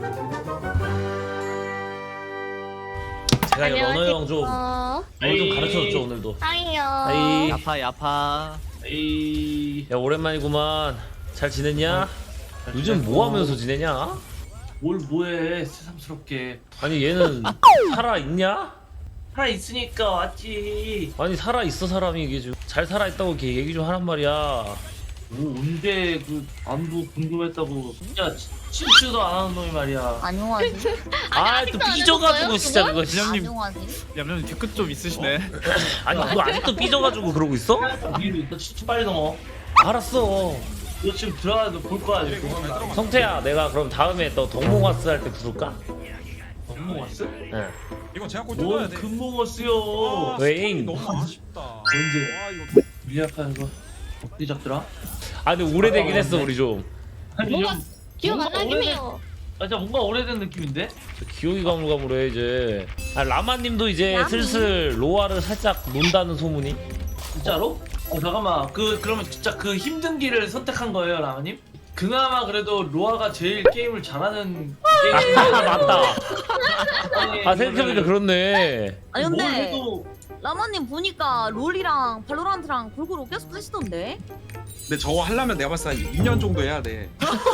제가 이거 언어 형 좀 가르쳐줬죠 오늘도. 아이요. 아이, 야파. 야 오랜만이구만. 잘 지냈냐? 요즘 뭐 하면서 지내냐? 뭘 뭐해 새삼스럽게. 아니 얘는 살아 있냐? 살아 있으니까 왔지. 아니 살아 있어 사람이 이게 좀 잘 살아 있다고 이렇게 얘기 좀 하란 말이야. 뭐 언제 그 안부 궁금했다고 진짜 친추도 안 하는 놈이 말이야. 안녕하지. 아 또 삐져가지고 진짜 그거. 진영님. 안녕하지. 얌얌님 뒤끝 좀 있으시네. 아니 너 아직도 삐져가지고 그러고 있어? 위로 너 친추 빨리 넘어. 알았어. 너 지금 들어가서 볼 거야 지금. 성태야 내가 그럼 다음에 또 동몽화스 할 때 부를까? 금몽어스? 응. 이거 제가 꼭 뭔 뜯어야 돼. 금몽어스요? 웨잉. 너무 아쉽다. 언제? 와 이거 미약한 거 어떻게 잡더라? 아 근데 오래되긴 했어 우리 좀. 아니 뭔가 좀 기억 안 뭔가 나긴 오래된- 해요. 아 진짜 뭔가 오래된 느낌인데? 기억이 가물가물해 이제. 아 라마님도 이제 라미? 슬슬 로아를 살짝 논다는 소문이. 진짜로? 잠깐만 그러면 진짜 그 힘든 길을 선택한 거예요 라마님? 그나마 그래도 로아가 제일 게임을 잘하는 게임. 아 맞다. 아니, 아 생각해보니까 그렇네. 아니 뭘 근데 해도 라마님 보니까 롤이랑 발로란트랑 골고루 계속 하시던데. 근데 저거 하려면 내가 봤을 때 한 2년 정도 해야 돼.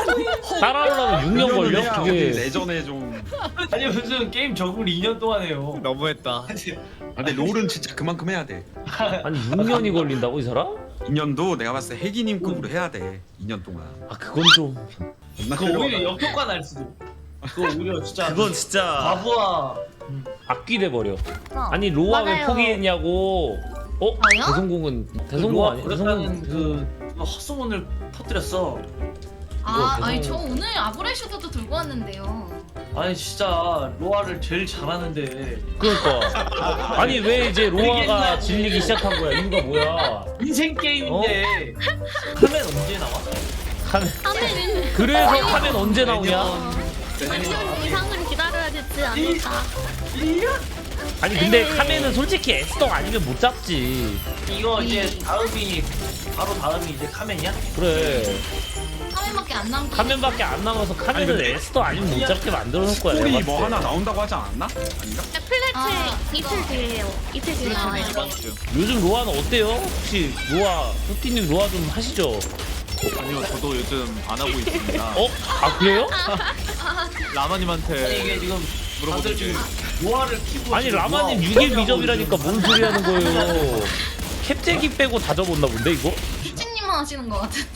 따라오려면 6년 걸려? 해야 어디 그게. 내전에 좀. 아니 무슨 게임 적응을 2년 동안 해요. 너무했다. 근데 롤은 진짜 그만큼 해야 돼. 아니 6년이 걸린다고 이 사람? 2년도 내가 봤을 때 혜기님급으로 해야 돼. 2년 동안. 아 그건 좀. 그거 오히려 역효과 날 수도. 그거 오히려 진짜 그건 진짜 바보와 악귀돼 버려. 어. 아니 로아 왜 맞아요. 포기했냐고. 어? 저요? 대성공은 대성공 로아 아니야? 그렇다는 대성공. 그 헛소문을 퍼뜨렸어. 아, 이거 아니 대성- 저 오늘 아브레슈트도 들고 왔는데요. 아니 진짜 로아를 제일 잘하는데 그러니까. 아니 왜 이제 로아가 질리기 시작한 거야? 이유가 뭐야? 인생 게임인데 카멘 언제 나와? 카멘. 하면 그래서 카멘 언제 나오냐? 3년 이상은 기다려야 되지 않을까. 1년? 아니 근데 카멘은 솔직히 에스더 아니면 못 잡지. 이거 이제 다음이 바로 다음이 이제 카멘이야? 그래. 3회밖에 안 남고. 카멘밖에 안 남아서 카멘을 근데- 에스더 아니면 못 잡게 만들어 놓을 거야. 스토리 내가 뭐 봤을 때. 하나 나온다고 하지 않았나? 아닌가? 플래츠 아, 이틀 뒤에요. 이틀 뒤에 나와요. 이번 주. 요즘 로아는 어때요? 혹시 로아, 뚜띠님 로아 좀 하시죠? 아니요, 저도 요즘 안 하고 있습니다. 어? 아 그래요? 아니 라마님한테 이게 지금 다들 물어보든지. 지금 로아를 키고 아니 지금 라마님 로아 6일 어쩌냐고 미접이라니까 지금. 뭔 소리 하는 거예요? 캡제기 빼고 다 접었나 본데 이거? 수진님만 하시는 것 같은데.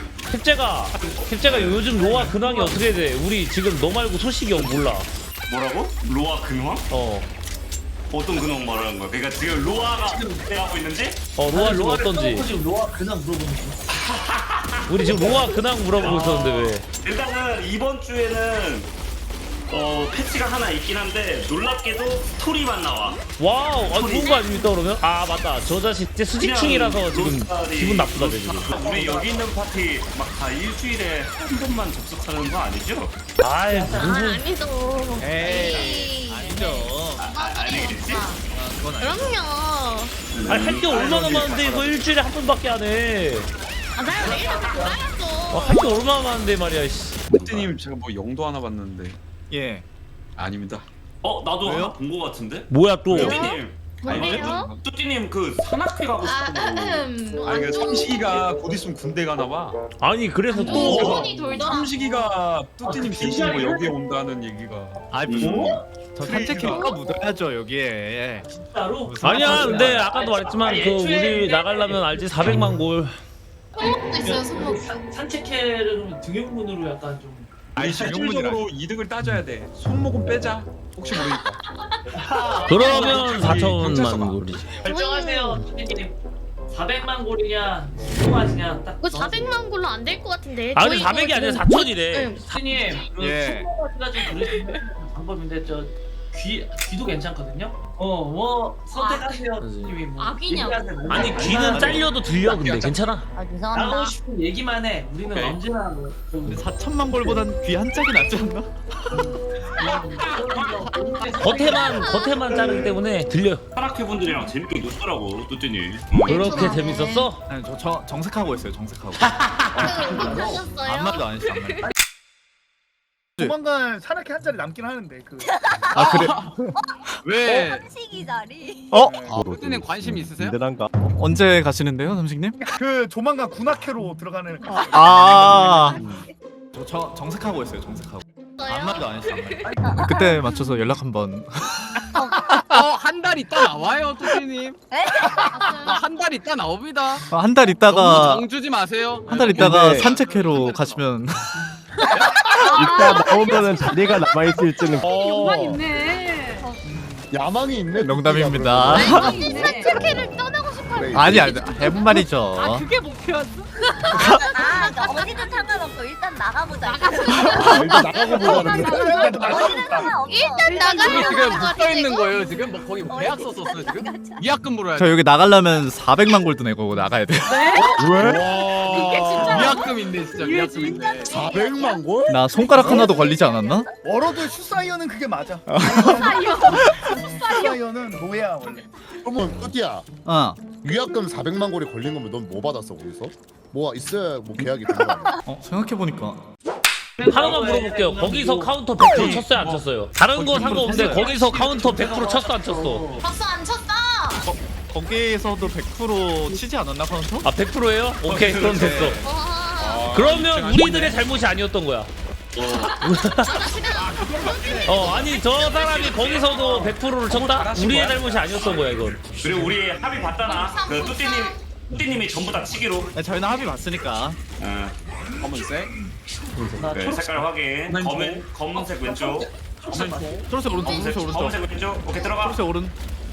캡제가 요즘 로아 근황이 어떻게 돼? 우리 지금 너 말고 소식이 몰라. 뭐라고? 로아 근황? 어. 어떤 근황 말하는 거야? 그러니까 지금 로아가 어떻게 하고 있는지? 로아 지금 로아를 어떤지. 써놓고 지금 로아 그냥 물어보는 거. 우리 지금 로아 근황 물어보고 있었는데 왜? 일단은 이번 주에는 패치가 하나 있긴 한데 놀랍게도 스토리만 나와. 와우, 아, 좋은 거 아닙니까 그러면? 아 맞다, 저 자식 이제 수직층이라서 지금 로스타리, 기분 나쁘다 내 지금. 우리 여기 있는 파티 막 다 일주일에 한 번만 접속하는 거 아니죠? 아이 무슨 아니죠. 에이, 아니죠. 아니겠지? 그건 아니죠. 그럼요. 아니 할 게 얼마나 많은데 이거 일주일에 한 번밖에 안 해. 아, 나 내일부터 돌아야죠. 할 게 얼마나 많은데 말이야. 씨. 혜기님 제가 뭐 영도 하나 봤는데 예. 아닙니다. 나도 왜요? 하나 본 거 같은데? 뭐야 또? 뚜띠님, 뭔데요? 뚜띠님 그 산악회 가고 싶다고. 아 이거 삼식이가 곧 있으면 군대 가나 봐. 아니 그래서 또 소문이 돌더라. 삼식이가 뚜띠님 대신 뭐 여기에 온다는 얘기가. 아이 무슨 저 산책해니까 묻어야죠 여기에. 예. 진짜로? 무슨 아니야 말씀이세요? 근데 아까도 말했지만 그 우리 나가려면 알지 400만 골. 손목도 있어요, 손목. 산책회를 등용문으로 약간 좀 아니 영문이라. 실질적으로 이득을 따져야 돼. 손목은 빼자. 혹시 모르니까. 그러면 경찰서가. 4천만 골이지. 결정하세요, 선생님. 400만 골이냐, 수고하시냐 딱. 그거 400만 골로 안 될 것 같은데. 아 근데 저희 400이 이거 아니라 지금 4천이래. 선생님, 그 예. 수고하기가 좀 그러시는 방법인데 귀도 괜찮거든요. 뭐 선택하세요, 선생님이 뭐. 악이냐고. 얘기하세요. 아니 귀는 잘려도 들려 근데 괜찮아. 아, 나가고 죄송합니다. 싶은 얘기만 해. 우리는 오케이. 언제나 뭐. 근데 4천만 골보단 귀 한 짝이 낫지 않나? 겉에만 자르기 때문에 들려. 산악회 분들이랑 재밌게 놀더라고 뚜띠님. 그렇게 재밌었어? 아니 저 정색하고 있어요 정색하고. 하셨어요? 아무 말도 안 했어 아무 말도. 조만간 산악회 한 자리 남긴 하는데 그. 아 그래? 왜? 한식이 자리. 푸드님 관심 있으세요? 든든한가? 언제 가시는데요, 삼식님? 그 조만간 군악회로 들어가는. 아. 저 정색하고 있어요, 정색하고. 아무 말도 안 했어. 그때 맞춰서 연락 한번. 한 달 있다 나와요, 푸드님. 한 달 있다 나옵니다. 한 달 너무 있다가 정주지 마세요. 한 달 있다가 산책회로 가시면. 이따 나오면은 자리가 남아 있을지는. 욕망 있네. 야망이 있네. 농담입니다. 산책회를 떠나고 싶어요. 아니 해본 말이죠. 그게 목표였어? 어디든 상관없어. 일단 나가보자. 일단 나가고 보자는 거. 어디든 상관없어. 일단 지금 묶여 있는 거예요. 지금 뭐 거기 계약 썼었어요 지금. 위약금 물어야 저 돼. 여기 나가려면 400만 골드 내고 나가야 돼. 위약금 있네 진짜. 위약금 있네. 400만 골? 나 손가락 하나도 걸리지 않았나? 워러드 슈사이어는 그게 맞아. 슈사이어는 노예야 원래. 그러면 끝이야. 위약금 400만 골이 걸린 거면 넌 뭐 받았어 거기서? 뭐 있어야 뭐 계약이 되는 거야. 생각해 보니까 하나만 물어볼게요. 거기서 카운터 100% 쳤어요 안 쳤어요? 다른 거 상관없는데 거기서 카운터 100% 쳤어 안 쳤어? 박수 안 쳤어. 거기에서도 100% 치지 않았나 카운터? 아 100%예요? 오케이 그럼 됐어. 와. 그러면 우리들의 잘못이 아니었던 거야. 아니 저 사람이 거기서도 100%를 쳤다? 우리의 잘못이 아니었던 거야 이건. 그리고 우리 합의 봤잖아. 그 뚜띠님이 전부 다 치기로. 네, 저희는 합의 봤으니까. 검은색. 네, 색깔 확인. 검은색 왼쪽. 초록색 오른쪽, 초록색 오른쪽. 검은색 왼쪽. 오케이 들어가. 초록색 오른.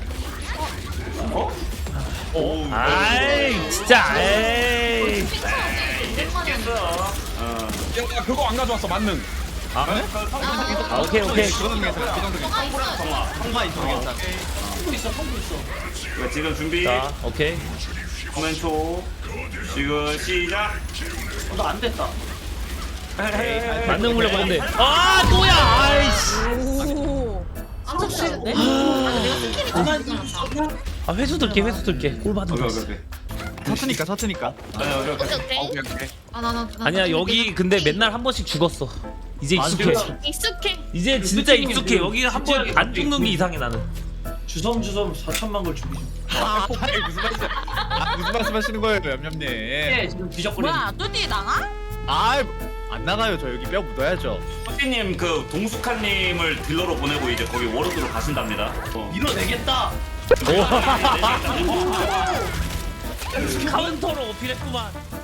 오. 아이 진짜 에이. 깼어. 야 그거 안 가져왔어 만능. 오케이 오케이. 통과 이쪽 괜찮아. 지금 준비. 자 오케이. 왼쪽. 지금 시작. 너 안 됐다. 만능 물려봤는데 아 뭐야 아이씨. 안 쳤는데? 내가 스킬이 아 회수 들게 회수 들게 꼴 받은 거. 오케이. 사트니까. 오케이. 아나 아니야 여기 근데 맨날 한 번씩 죽었어. 이제 익숙해. 익숙해. 이제 진짜 익숙해. 여기 한 번 안 죽는 게 이상해 나는. 주섬주섬 4천만 걸 죽이죠. 무슨 말씀하시는 거예요, 얌얌님? 지금 뒤적거리는. 뭐야 뚜띠 나가? 안 나가요. 저 여기 뼈 묻어야죠. 뚜띠님 그 동숙한님을 딜러로 보내고 이제 거기 워로드로 가신답니다. 밀어내겠다. 카운터로 어필했구만.